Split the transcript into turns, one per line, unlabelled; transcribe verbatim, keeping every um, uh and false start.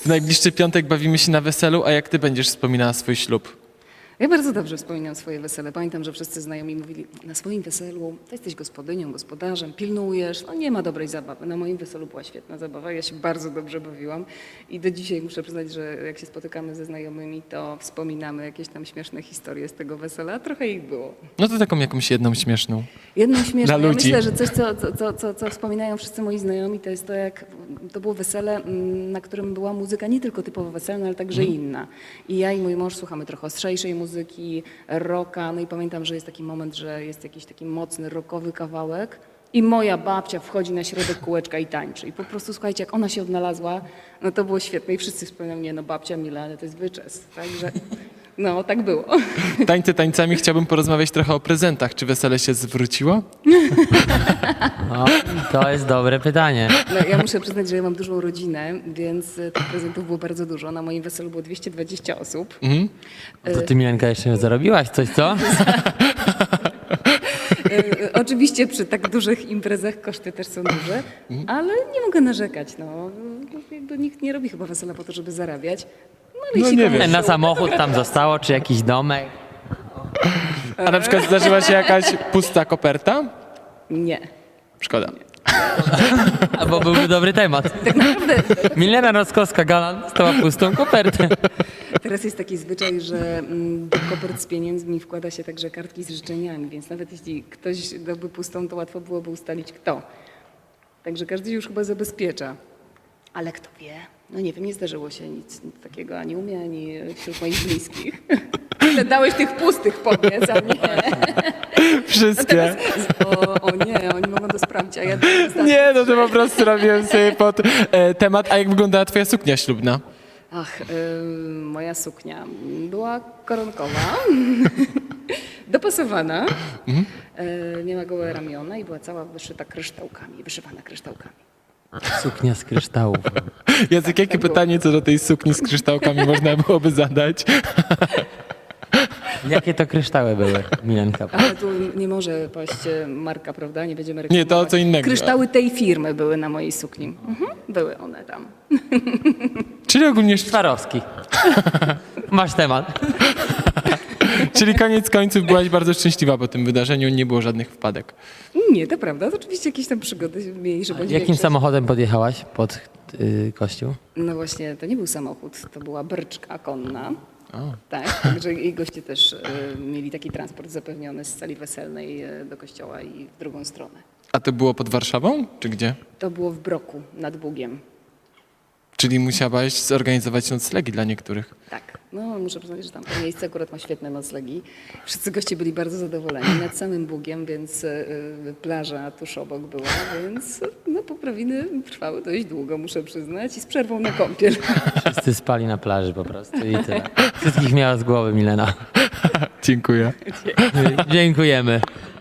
W najbliższy piątek bawimy się na weselu, a jak ty będziesz wspominała swój ślub?
Ja bardzo dobrze wspominam swoje wesele. Pamiętam, że wszyscy znajomi mówili, na swoim weselu to jesteś gospodynią, gospodarzem, pilnujesz, no nie ma dobrej zabawy. Na moim weselu była świetna zabawa, ja się bardzo dobrze bawiłam i do dzisiaj muszę przyznać, że jak się spotykamy ze znajomymi, to wspominamy jakieś tam śmieszne historie z tego wesela, trochę ich było.
No to taką jakąś jedną śmieszną.
Jedną śmieszną,
Dla
ja
ludzi.
myślę, że coś, co, co, co, co, co wspominają wszyscy moi znajomi, to jest to, jak to było wesele, mm, na którym była muzyka nie tylko typowo weselna, ale także inna. I ja i mój mąż słuchamy trochę ostrzejszej muzyki, rocka, no i pamiętam, że jest taki moment, że jest jakiś taki mocny rockowy kawałek i moja babcia wchodzi na środek kółeczka i tańczy. I po prostu, słuchajcie, jak ona się odnalazła, no to było świetne i wszyscy wspominają, nie no babcia Mila, ale to jest wyczes. Także no, tak było.
Tańce tańcami chciałbym porozmawiać trochę o prezentach. Czy wesele się zwróciło?
O, to jest dobre pytanie.
No, ja muszę przyznać, że ja mam dużą rodzinę, więc e, tych prezentów było bardzo dużo. Na moim weselu było dwieście dwadzieścia osób.
Mhm.
To ty, Milenka, jeszcze zarobiłaś coś, co?
E, Oczywiście przy tak dużych imprezach koszty też są duże, ale nie mogę narzekać. No. Jakby nikt nie robi chyba wesela po to, żeby zarabiać. No, ale
No
jeśli
nie
komuś
wiem.
się
Na samochód tam zostało, czy jakiś domek?
A na przykład zdarzyła się jakaś pusta koperta?
Nie.
Szkoda.
Albo byłby dobry temat. Milena Roskowska Galant stała pustą kopertę.
Teraz jest taki zwyczaj, że mm, do kopert z pieniędzmi wkłada się także kartki z życzeniami, więc nawet jeśli ktoś dałby pustą, to łatwo byłoby ustalić kto. Także każdy się już chyba zabezpiecza. Ale kto wie? No nie wiem, nie zdarzyło się nic takiego ani u mnie, ani wśród moich bliskich. Ile dałeś tych pustych, powiedz, a nie.
Wszystkie.
O, o nie, oni mogą to sprawdzić, a ja...
Nie, no to po prostu robiłem sobie pod e, temat. A jak wyglądała twoja suknia ślubna?
Ach, y, moja suknia była koronkowa, dopasowana, y, miała gołe ramiona i była cała wyszyta kryształkami, wyszywana kryształkami.
Suknia z kryształów.
Jacek, jakie pytanie co do tej sukni z kryształkami można byłoby zadać?
Jakie to kryształy były, Milenka?
Ale tu nie może paść e, marka, prawda? Nie będziemy
Nie,
reklamować.
to co innego.
Kryształy tej firmy były na mojej sukni. Mhm, były one tam.
Czyli ogólnie,
Swarowski. Masz temat.
czyli koniec końców byłaś bardzo szczęśliwa po tym wydarzeniu, nie było żadnych wpadek.
Nie, to prawda. To oczywiście jakieś tam przygody mniejsze bądź
Jakim
większe.
samochodem podjechałaś pod y, kościół?
No właśnie, to nie był samochód, to była bryczka konna. Tak, także i goście też e, mieli taki transport zapewniony z sali weselnej e, do kościoła i w drugą stronę.
A to było pod Warszawą, czy gdzie?
To było w Broku, nad Bugiem.
Czyli musiałaś zorganizować noclegi dla niektórych.
Tak, no muszę przyznać, że tam to miejsce akurat ma świetne noclegi. Wszyscy goście byli bardzo zadowoleni nad samym Bugiem, więc e, plaża tuż obok była, więc no poprawiny trwały dość długo, muszę przyznać, i z przerwą na kąpiel.
Wszyscy spali na plaży po prostu i tyle. Wszystkich miała z głowy Milena.
Dziękuję.
Dziękujemy.